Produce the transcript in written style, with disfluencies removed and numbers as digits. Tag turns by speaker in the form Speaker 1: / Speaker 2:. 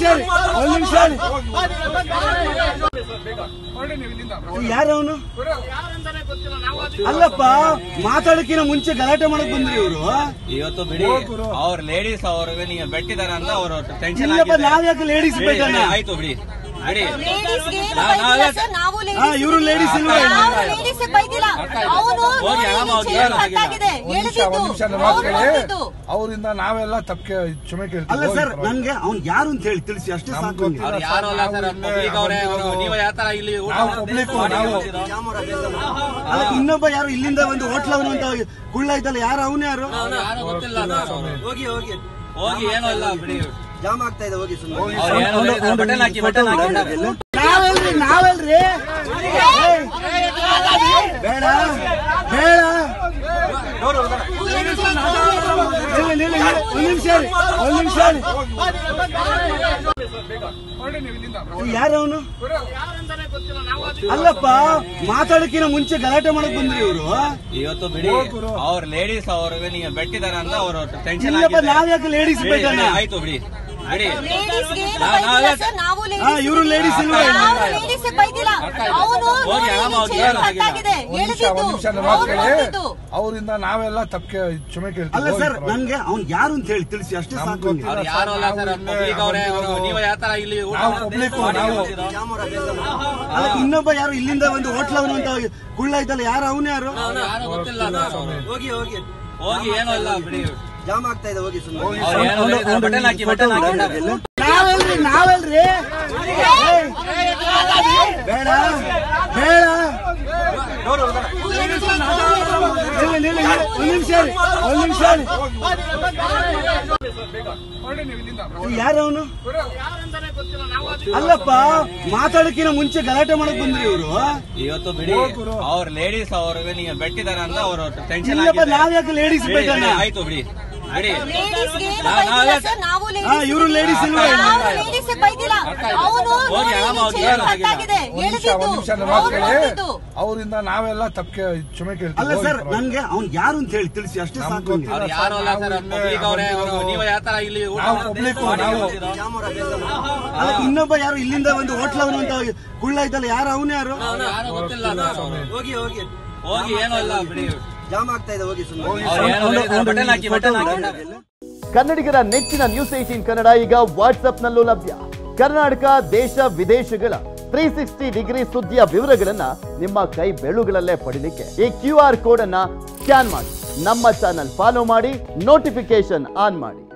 Speaker 1: ಯಾರವನು ಅಲ್ಲಪ್ಪ ಮಾತಾಡಕ್ಕಿನ ಮುಂಚೆ ಗಲಾಟೆ ಮಾಡಕ್ ಬಂದ್ರಿ ಇವರು
Speaker 2: ಇವತ್ತು ಬಿಡಿ ಅವ್ರ ಲೇಡೀಸ್ ಅವ್ರಿಗೆ ನೀವು ಬೆಟ್ಟಿದಾರ ಅಂತ ಅವರು ಟೆನ್ಷನ್
Speaker 1: ನಾವ್ಯಾಕೆ ಲೇಡೀಸ್ ಬೇಕಣ್ಣ
Speaker 2: ಆಯ್ತು ಬಿಡಿ
Speaker 1: ಇವರು ಲೇಡೀಸ್ ಇಲ್ವಾ
Speaker 3: ಅವರಿಂದ ನಾವೆಲ್ಲ ತಪ್ಪೆ ಕ್ಷಮೆ ಕೇಳ್ತೀವಿ.
Speaker 1: ಅಲ್ಲ ಸರ್ ನನ್ಗೆ ಅವ್ನ್ ಯಾರು ಅಂತ ಹೇಳಿ ತಿಳಿಸಿ ಅಷ್ಟೇ ಸಾಕು. ಇನ್ನೊಬ್ಬ ಯಾರು ಇಲ್ಲಿಂದ ಒಂದು ಹೋಟ್ಲವನು ಅಂತ ಕುಳ್ಳ ಇದ್ದಲ್ಲ ಯಾರು ಅವನೇ ಯಾರು
Speaker 2: ಹೋಗಿ ಹೋಗಿ ಏನೋ ಇಲ್ಲ ಬಿಡಿ
Speaker 1: ಜಾಮ್ ಆಗ್ತಾ ಇದೆ ಹೋಗಿ ನಾವಲ್ರಿ ಬೇಡ ಬೇಡ ಒಂದ್ ನಿಮಿಷ ಯಾರವನು ಅಲ್ಲಪ್ಪ ಮಾತಾಡಕ್ಕಿನ ಮುಂಚೆ ಗಲಾಟೆ ಮಾಡಕ್ ಬಂದ್ರಿ ಇವರು
Speaker 2: ಇವತ್ತು ಬಿಡಿ ಅವ್ರ ಲೇಡೀಸ್ ಅವ್ರಿಗೆ ನೀವು ಬೆಟ್ಟಿದಾರ ಅಂತ ಅವರು ಟೆನ್ಷನ್
Speaker 1: ನಾವ್ಯಾಕೆ ಲೇಡೀಸ್ ಬೇಕಣ್ಣ
Speaker 2: ಆಯ್ತು ಬಿಡಿ
Speaker 1: ಇವರು ಲೇಡೀಸ್ ಇಲ್ವಾ
Speaker 3: ಅವರಿಂದ ನಾವೆಲ್ಲ ತಪ್ಪೆ ಕ್ಷಮೆ ಕೇಳ್ತೀವಿ.
Speaker 1: ಅಲ್ಲ ಸರ್ ನನ್ಗೆ ಅವ್ನ್ ಯಾರು ಅಂತ ಹೇಳಿ ತಿಳಿಸಿ ಅಷ್ಟೇ ಸಾಕು. ಇನ್ನೊಬ್ಬ ಯಾರು ಇಲ್ಲಿಂದ ಒಂದು ಹೋಟ್ಲವನು ಅಂತ ಕುಳ್ಳ ಇದ್ದಲ್ಲ ಯಾರು ಅವನೇ ಯಾರು
Speaker 2: ಹೋಗಿ ಹೋಗಿ ಏನೋ ಇಲ್ಲ ಬಿಡಿ
Speaker 1: ಜಾಮ್ ಆಗ್ತಾ ಇದೆ ಹೋಗಿ ನಾವಲ್ರಿ ಬೇಡ ಬೇಡ ಒಂದ್ ನಿಮಿಷ ಯಾರವನು ಅಲ್ಲಪ್ಪ ಮಾತಾಡಕ್ಕಿನ ಮುಂಚೆ ಗಲಾಟೆ ಮಾಡಕ್ ಬಂದ್ರಿ ಇವರು
Speaker 2: ಇವತ್ತು ಬಿಡಿ ಅವ್ರ ಲೇಡೀಸ್ ಅವ್ರಿಗೆ ನೀವು ಬೆಟ್ಟಿದಾರ ಅಂತ ಅವರು ಟೆನ್ಷನ್
Speaker 1: ನಾವ್ಯಾಕೆ ಲೇಡೀಸ್ ಬೇಕಣ್ಣ
Speaker 2: ಆಯ್ತು ಬಿಡಿ
Speaker 1: ಇವರು ಲೇಡೀಸ್ ಇಲ್ವಾ
Speaker 3: ಅವರಿಂದ ನಾವೆಲ್ಲ ತಪ್ಪೆ ಕ್ಷಮೆ ಕೇಳ್ತೀವಿ.
Speaker 1: ಅಲ್ಲ ಸರ್ ನನ್ಗೆ ಅವ್ನ್ ಯಾರು ಅಂತ ಹೇಳಿ ತಿಳಿಸಿ ಅಷ್ಟೇ ಸಾಕು. ಇನ್ನೊಬ್ಬ ಯಾರು ಇಲ್ಲಿಂದ ಒಂದು ಹೋಟ್ಲವನು ಅಂತ ಕುಳ್ಳ ಇದ್ದಲ್ಲ ಯಾರು ಅವನೇ ಯಾರು
Speaker 2: ಹೋಗಿ ಹೋಗಿ ಏನೋ ಇಲ್ಲ ಬಿಡಿ
Speaker 1: ಜಾಮ್ ಆಗ್ತಾ ಇದೆ ಹೋಗಿ
Speaker 4: ಕನ್ನಡಿಗರ ನೆಚ್ಚಿನ ನ್ಯೂಸ್ 18 ಕನ್ನಡ ಈಗ ವಾಟ್ಸ್ಆಪ್ನಲ್ಲೂ ಲಭ್ಯ. ಕರ್ನಾಟಕ ದೇಶ ವಿದೇಶಗಳ 360 ಡಿಗ್ರಿ ಸುದ್ದಿಯ ವಿವರಗಳನ್ನ ನಿಮ್ಮ ಕೈ ಬೆರಳುಗಳಲ್ಲೇ ಪಡಿಲಿಕ್ಕೆ ಈ QR ಕೋಡ್ ಅನ್ನ ಸ್ಕ್ಯಾನ್ ಮಾಡಿ ನಮ್ಮ ಚಾನಲ್ ಫಾಲೋ ಮಾಡಿ, ನೋಟಿಫಿಕೇಶನ್ ಆನ್ ಮಾಡಿ.